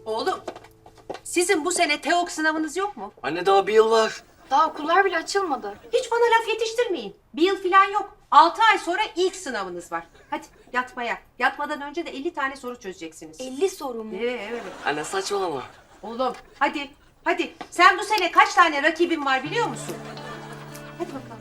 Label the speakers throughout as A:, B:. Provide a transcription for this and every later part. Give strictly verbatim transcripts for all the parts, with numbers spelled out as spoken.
A: Oğlum, sizin bu sene TEOK sınavınız yok mu?
B: Anne daha bir yıl var.
C: Daha okullar bile açılmadı.
A: Hiç bana laf yetiştirmeyin. Bir yıl falan yok. Altı ay sonra ilk sınavınız var. Hadi yatmaya. Yatmadan önce de elli tane soru çözeceksiniz.
C: elli soru mu?
A: Evet, evet.
B: Anne saçmalama.
A: Oğlum, hadi, hadi. Sen bu sene kaç tane rakibin var biliyor musun? Hadi bakalım.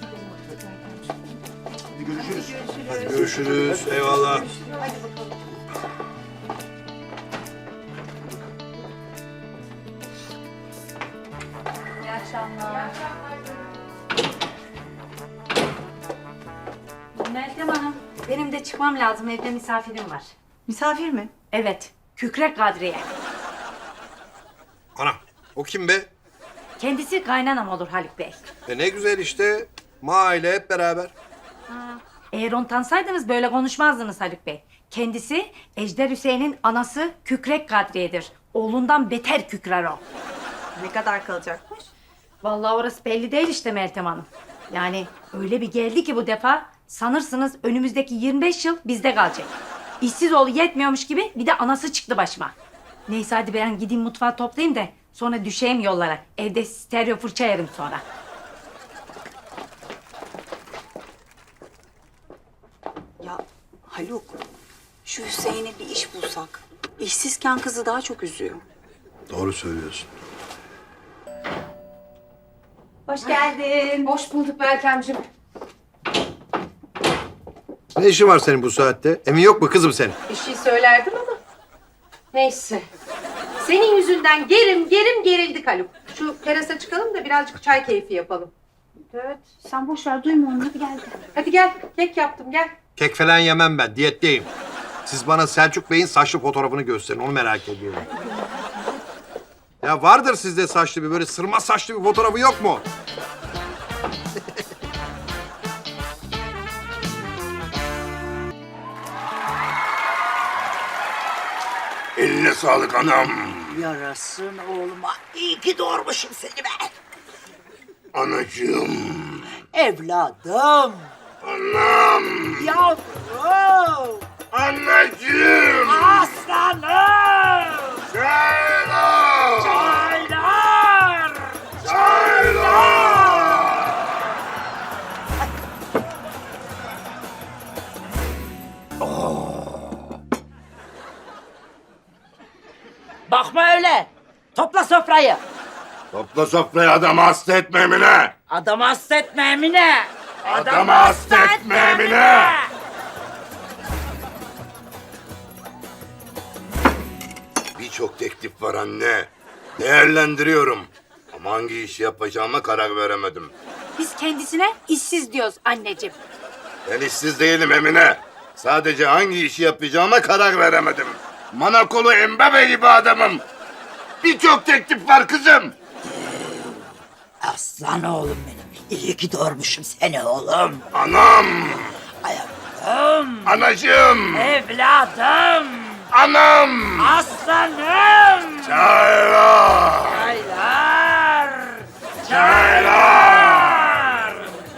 D: Hadi görüşürüz.
A: Hadi görüşürüz.
D: Görüşürüz. Eyvallah.
A: Hadi bakalım.
C: İyi akşamlar.
E: Meltem Hanım, benim de çıkmam lazım. Evde misafirim var.
F: Misafir mi?
E: Evet, Kükrek Kadriye.
D: Ana, o kim be?
E: Kendisi kaynanam olur Haluk Bey.
D: E ne güzel işte. Mahalle hep beraber.
E: Eğer onu tanısaydınız böyle konuşmazdınız Haluk Bey. Kendisi Ejder Hüseyin'in anası Kükrek Kadriye'dir. Oğlundan beter kükrer o.
F: Ne kadar kalacakmış?
E: Vallahi orası belli değil işte Meltem Hanım. Yani öyle bir geldi ki bu defa sanırsınız önümüzdeki yirmi beş yıl bizde kalacak. İşsiz oğlu yetmiyormuş gibi bir de anası çıktı başıma. Neyse hadi ben gideyim mutfağı toplayayım da sonra düşeyim yollara. Evde stereo fırça yerim sonra.
F: Ya Haluk, şu Hüseyin'e bir iş bulsak. İşsizken kızı daha çok üzüyor.
D: Doğru söylüyorsun.
A: Hoş geldin. Hoş bulduk Meltemciğim.
D: Ne işin var senin bu saatte? Emin yok mu kızım senin?
A: Bir şey söylerdim ama. Neyse. Senin yüzünden gerim gerim gerildik Haluk. Şu terasa çıkalım da birazcık çay keyfi yapalım. Evet.
C: Sen boş ver duyma onu hadi gel.
A: Hadi gel. Kek yaptım gel.
D: Kek falan yemem ben. Diyetteyim. Siz bana Selçuk Bey'in saçlı fotoğrafını gösterin. Onu merak ediyorum. Ya vardır sizde saçlı bir böyle sırma saçlı bir fotoğrafı yok mu?
G: Eline sağlık anam.
H: Yarasın oğluma. İyi ki doğurmuşum seni ben.
G: Anacığım.
H: Evladım.
G: Anam.
H: Yavrum.
G: Anneciğim.
H: Aslanım.
G: Çaylar.
H: Çaylar.
G: Çaylar.
H: Bakma öyle. Topla sofrayı.
G: Topla sofrayı adamı hasta etme Emine.
H: Adamı hasta etme Emine.
G: Adamı hasta etme Emine. Birçok teklif var anne. Değerlendiriyorum. Ama hangi işi yapacağıma karar veremedim.
E: Biz kendisine işsiz diyoruz anneciğim.
G: Ben işsiz değilim Emine. Sadece hangi işi yapacağıma karar veremedim. Manakolu Embabe gibi adamım. Birçok teklif var kızım.
H: Aslan oğlum benim. İyi ki doğurmuşum seni oğlum.
G: Anam,
H: Ayaklarım.
G: anacığım,
H: Evladım.
G: anam.
H: Aslanım.
G: Çaylar,
H: Çaylar.
G: çaylar.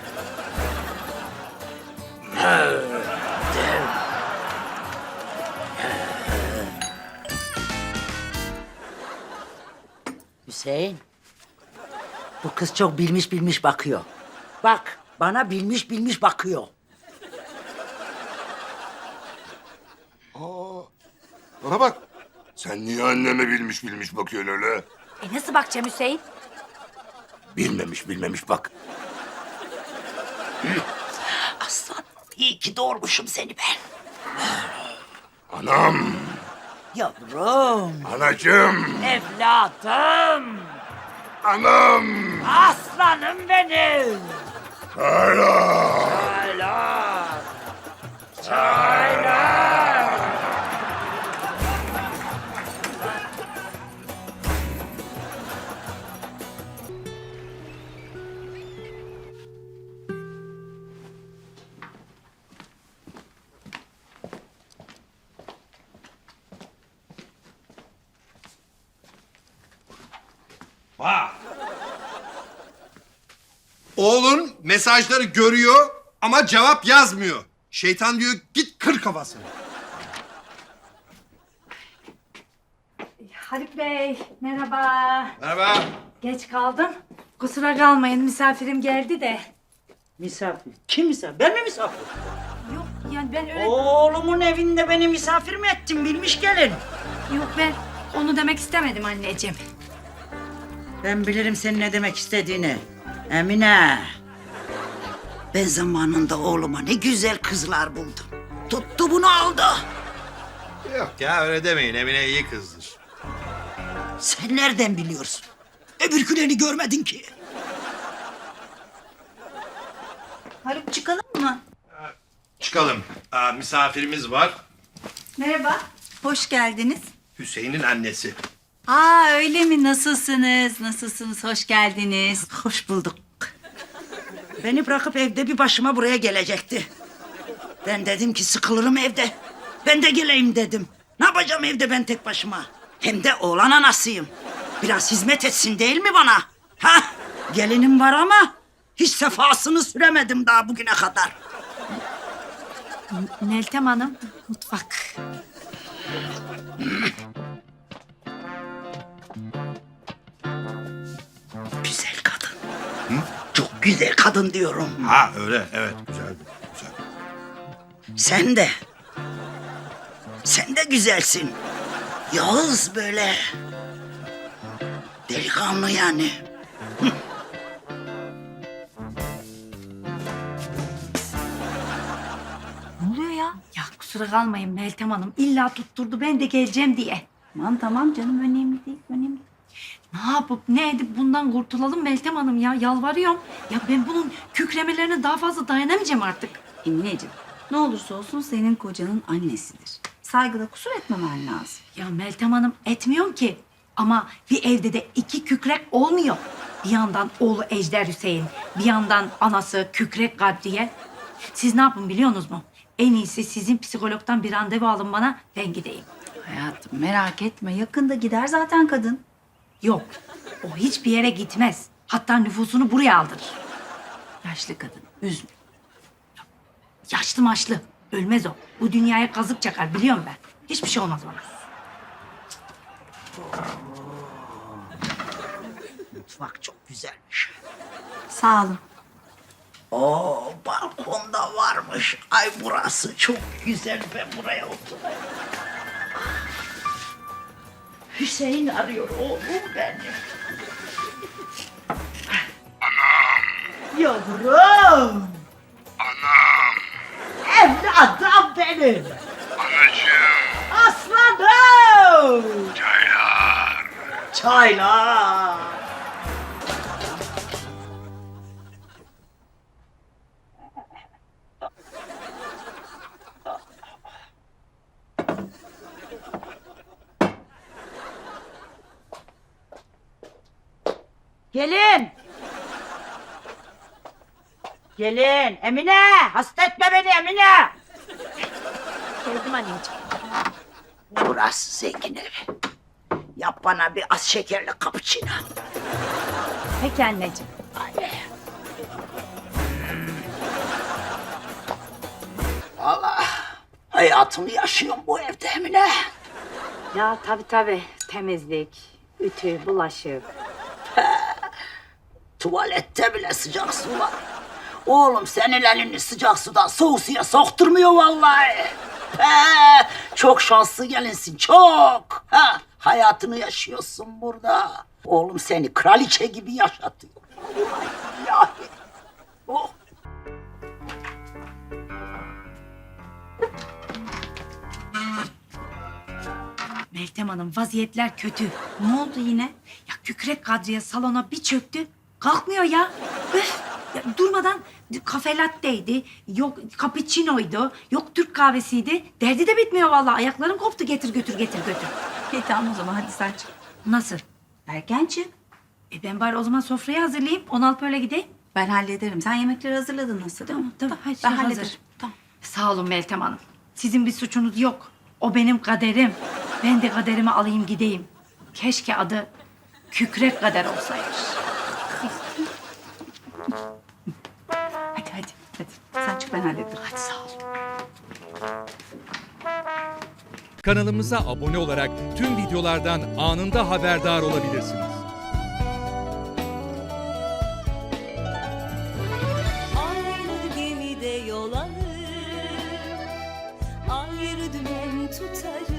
H: Hüseyin. Bu kız çok bilmiş bilmiş bakıyor. Bak bana bilmiş bilmiş bakıyor.
G: Bana bak. Sen niye anneme bilmiş bilmiş bakıyorsun öyle?
E: E nasıl bakacağım Hüseyin?
G: Bilmemiş bilmemiş bak.
H: Aslan iyi ki doğurmuşum seni ben.
G: Anam,
H: Yavrum.
G: anacığım,
H: Evladım.
G: anam.
H: Aslanım benim.
G: Çaylar.
H: Çaylar. Çaylar.
D: Oğlun mesajları görüyor ama cevap yazmıyor. Şeytan diyor git kır kafasını.
E: Haluk Bey, merhaba.
D: Merhaba.
E: Geç kaldım. Kusura kalmayın, misafirim geldi de.
H: Misafir. Kim misafir? Ben mi misafir?
E: Yok, yani ben öyle...
H: Oğlumun evinde beni misafir mi ettin bilmiş gelin?
E: Yok, ben onu demek istemedim anneciğim.
H: Ben bilirim senin ne demek istediğini. Emine. Ben zamanında oğluma ne güzel kızlar buldum. Tuttu bunu aldı.
D: Yok ya öyle demeyin. Emine iyi kızdır.
H: Sen nereden biliyorsun? Öbürkülerini görmedin ki.
F: Haluk çıkalım mı?
D: Çıkalım. Aa, misafirimiz var.
F: Merhaba. Hoş geldiniz.
D: Hüseyin'in annesi.
F: Aa öyle mi? Nasılsınız? Nasılsınız? Hoş geldiniz.
H: Hoş bulduk. Beni bırakıp evde bir başıma buraya gelecekti. Ben dedim ki sıkılırım evde. Ben de geleyim dedim. Ne yapacağım evde ben tek başıma? Hem de oğlan anasıyım. Biraz hizmet etsin değil mi bana? Ha? Gelinim var ama hiç sefasını süremedim daha bugüne kadar.
E: Meltem Hanım, mutfak.
H: Güzel kadın. Çok güzel kadın diyorum.
D: Ha öyle evet güzel güzel.
H: Sen de. Sen de güzelsin. Yağız böyle. Delikanlı yani.
E: Ne oluyor ya? Ya kusura kalmayın Meltem Hanım. İlla tutturdu ben de geleceğim diye.
F: Tamam tamam canım önemli değil. Önemli değil.
E: Ne yapıp ne edip bundan kurtulalım Meltem Hanım ya. Yalvarıyorum. Ya ben bunun kükremelerine daha fazla dayanamayacağım artık.
F: Emineciğim ne olursa olsun senin kocanın annesidir. Saygıda kusur etmemen lazım.
E: Ya Meltem Hanım etmiyorum ki. Ama bir evde de iki kükrek olmuyor. Bir yandan oğlu Ejder Hüseyin, bir yandan anası Kükrek Kadriye. Siz ne yapın biliyorsunuz mu? En iyisi sizin psikologdan bir randevu alın bana, ben gideyim.
F: Hayatım merak etme yakında gider zaten kadın.
E: Yok, o hiçbir yere gitmez. Hatta nüfusunu buraya aldırır.
F: Yaşlı kadın üzme.
E: Yaşlı maşlı, ölmez o. Bu dünyaya kazık çakar, biliyorum ben. Hiçbir şey olmaz bana.
H: Mutfak çok güzelmiş.
F: Sağ olun.
H: Oo, balkonda varmış. Ay burası çok güzel. Ben buraya oturayım. Hüseyin arıyor oğlum benim. Anam. Yavrum.
G: Anam,
H: Evladım benim.
G: anacığım,
H: Aslanım.
G: çaylar.
H: Çaylar. Gelin. Gelin. Emine. Hasta etme beni Emine.
E: Geldim anneciğim.
H: Burası zengin evi. Yap bana bir az şekerli cappuccino.
E: Peki anneciğim.
H: Hadi. Allah. Hayatımı yaşıyorum bu evde Emine.
E: Ya tabii tabii. Temizlik, ütü, bulaşık.
H: Tuvalette bile sıcak su var. Oğlum senin elini sıcak sudan soğuk suya sokturmuyor vallahi. He, çok şanslı gelinsin çok. Ha, hayatını yaşıyorsun burada. Oğlum seni kraliçe gibi yaşatıyor. Vallahi billahi. Oh.
E: Meltem Hanım vaziyetler kötü. Ne oldu yine? Ya Kükrek Kadriye salona bir çöktü. Kalkmıyor ya. Öf! Ya durmadan kafe latte'ydi, yok cappuccino'ydu, yok Türk kahvesiydi. Derdi de bitmiyor vallahi. Ayaklarım koptu getir götür getir götür.
F: İyi tamam o zaman hadi sen çık.
E: Nasıl?
F: Erken çık.
E: E ben bari o zaman sofrayı hazırlayayım. On alıp öyle gideyim.
F: Ben hallederim. Sen yemekleri hazırladın nasıl değil mi?
E: Tamam, hadi
F: ben
E: hazır.
F: hallederim. Tamam.
E: Sağ olun Meltem Hanım. Sizin bir suçunuz yok. O benim kaderim. Ben de kaderimi alayım gideyim. Keşke adı Kükrek Kader olsaymış.
F: Hadi hadi. Hadi. Sen çık ben hallederim.
E: Hadi sağ ol.
I: Kanalımıza abone olarak tüm videolardan anında haberdar olabilirsiniz.
J: Aynı gemide yol alır, ayrı dümen tutarız.